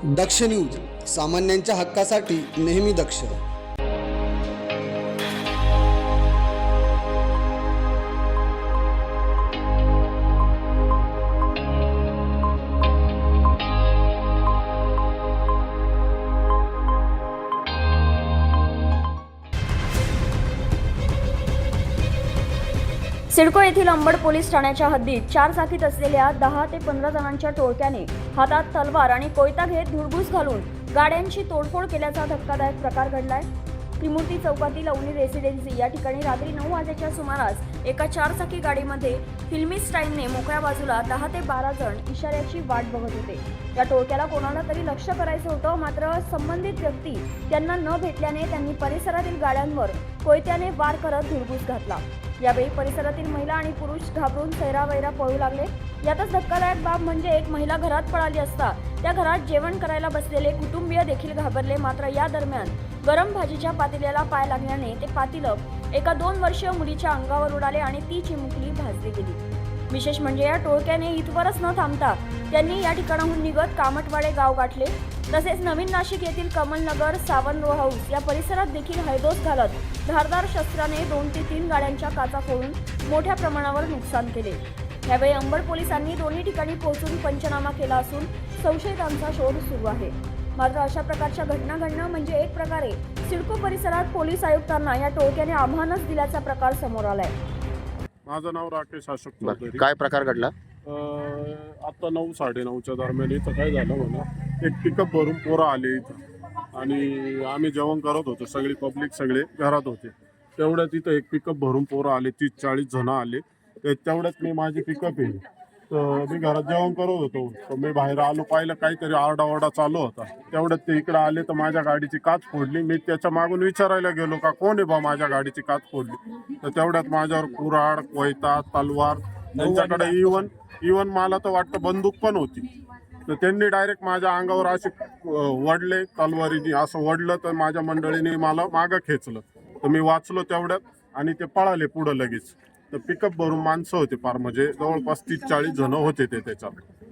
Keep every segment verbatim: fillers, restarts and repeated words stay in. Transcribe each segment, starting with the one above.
दक्ष news, सामान्यांच्या हक्कासाठी नेहमी दक्ष. सिडको येथील अंबड पोलीस ठाण्याच्या हद्दीत चार चाकीत असलेल्या दहा ते पंधरा जणांच्या टोळक्याने हातात तलवार आणि कोयता घेत धुडगूस घालून गाड्यांची तोडफोड केल्याचा धक्कादायक प्रकार घडलाय. त्रिमूर्ती चौकातील अवनी रेसिडेन्सी या ठिकाणी रात्री नऊ वाजेच्या सुमारास एका चारचाकी गाडीमध्ये फिल्मी स्टाईलने मोकळ्या बाजूला दहा ते बारा जण इशाऱ्याची वाट बघत होते. या टोळक्याला कोणाला तरी लक्ष करायचं होतं, मात्र संबंधित व्यक्ती त्यांना न भेटल्याने त्यांनी परिसरातील गाड्यांवर कोयत्याने वार करत धुडगूस घातला. यावेळी परिसरातील महिला आणि पुरुष घाबरून सैरावैरा पळू लागले. यातच धक्कादायक बाब म्हणजे एक महिला घरात पळाली असता त्या घरात जेवण करायला बसलेले कुटुंबीय देखील घाबरले. मात्र या दरम्यान गरम भाजीच्या पातेल्याला पाय लागल्याने ते पातेलं एका दोन वर्षीय मुलीच्या अंगावर उडाले आणि ती चिमुकली भाजली गेली. विशेष म्हणजे या टोळक्याने इथवरच न थांबता त्यांनी या ठिकाणाहून निघत कामटवाडे गाव गाठले. तसेच नवीन नाशिक येथील कमलनगर, सावन रो हाऊस या परिसरात देखील हैदोस घालत धारदार शस्त्राने दोन ते तीन गाड्यांच्या काचा फोडून मोठ्या प्रमाणावर नुकसान केले. यावेळी अंबड पोलिसांनी दोन्ही ठिकाणी पोहोचून पंचनामा केला असून संशयितांचा शोध सुरू आहे. मात्र अशा प्रकारच्या घटना घडणं म्हणजे एक प्रकारे सिडको परिसरात पोलीस आयुक्तांना या टोळक्याने आव्हानच दिल्याचा प्रकार समोर आलाय. माझं नाव राकेश अशोक चौधरी. काय प्रकार घडला? आता नऊ साडे नऊच्या दरम्यान इथं काय झालं म्हणा, एक पिकअप भरून पोरं आले इथं आणि आम्ही जेवण करत होतो. सगळी पब्लिक सगळे घरात होते. तेवढ्यात इथं एक पिकअप भरून पोरं आले, तीस चाळीस जण आले. तेवढ्यात मी माझी पिकअप आहे तर मी घरात जेवण करत होतो. तर मी बाहेर आलो, पाहिलं काहीतरी आरडाओरडा चालू होता. तेवढ्यात ते इकडे आले तर माझ्या गाडीची काच फोडली. मी त्याच्या मागून विचारायला गेलो का कोण आहे बा माझ्या गाडीची काच फोडली. तर तेवढ्यात माझ्यावर कुऱ्हाड, कोयता, तलवार, त्यांच्याकडे इवन इवन मला तर वाटतं बंदूक पण होती. तर त्यांनी डायरेक्ट माझ्या अंगावर असे वडले तलवारीने. असं वडलं तर माझ्या मंडळीने मला मागं खेचलं. तर मी वाचलो तेवढ्यात आणि ते पळाले पुढं लगेच. तर पिकअप भरून माणसं होते, फार म्हणजे जवळपास तीस चाळीस जण होते ते त्याच्यात.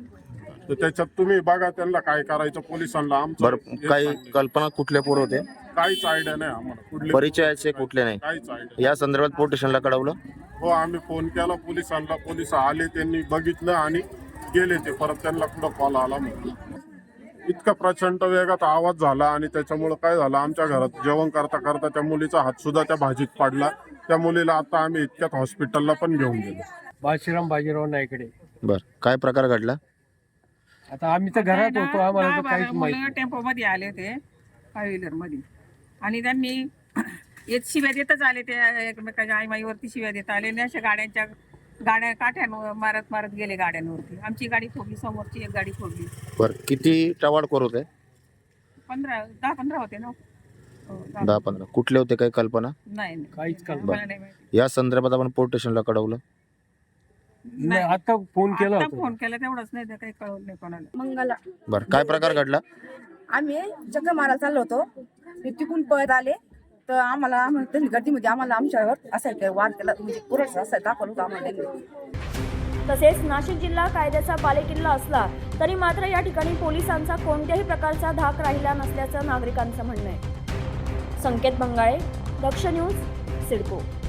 तर त्याच्यात तुम्ही बघा त्यांना काय करायचं पोलिसांना. आमचं काही कल्पना कुठले पोर होते? काहीच आयडिया नाही आम्हाला. कुठले परिचयाचे कुठले नाही? काहीच आयडिया. या संदर्भात पोलीस स्टेशनला कळवलं? हो, आम्ही फोन केला पोलिसांना. पोलिस आले, त्यांनी बघितलं आणि गेले. ते परत त्यांना कुठं कॉल आला म्हणून. इतका प्रचंड वेगात आवाज झाला आणि त्याच्यामुळं काय झालं, आमच्या घरात जेवण करता करता त्या मुलीचा हात सुद्धा त्या भाजीत पडला. त्या मुलीला आता आम्ही इतक्यात हॉस्पिटलला पण घेऊन गेलो. बाजीराव बाजीराव नाईकडे. बर, काय प्रकार घडला? आता आम्ही तर घरात होतो, आम्हाला तर काहीच माहिती नाही. टेम्पो मध्ये आले होते, फाय व्हीलर मध्ये, आणि त्यांनी एक शिव्या देतच आले. ते एकमेकाच्या आईमाईवरती शिव्या देत आले. अशा गाड्यांच्या गाड्या काठ्यांवर मारत मारत गेले गाड्यांवरती. आमची गाडी फोडली, समोरची एक गाडी फोडली. बर, किती टवाळखोर होते? पंधरा दहा पंधरा होते ना. दहा पंधरा. कुठले होते, काही कल्पना नाही? काहीच कल्पना मला नाही माहिती. या संदर्भात आपण पोलीस स्टेशनला कळवलं? नाही, आता फोन केला आता होता. फोन केला तेवढंच, नाही तर काही कळवलं नाही कोणाला. मंगला बर, काय प्रकार घडला? आम्ही चक्कर मारायला चाललो होतो. मी तिकून पळत आले तर आम्हाला आम्हाला गर्दीमध्ये आम्हाला आमच्यावर असायला वाद केला, म्हणजे पुरस असायला दाखवलं होतं आम्हाला. तसेच नाशिक जिल्हा कायद्याचा बालेकिल्ला असला तरी मात्र या ठिकाणी पोलिसांचा कोणत्याही प्रकारचा धाक राहिला नसल्याचं नागरिकांचं म्हणणं आहे. संकेत बंगाळे, दक्ष न्यूज, सिडको.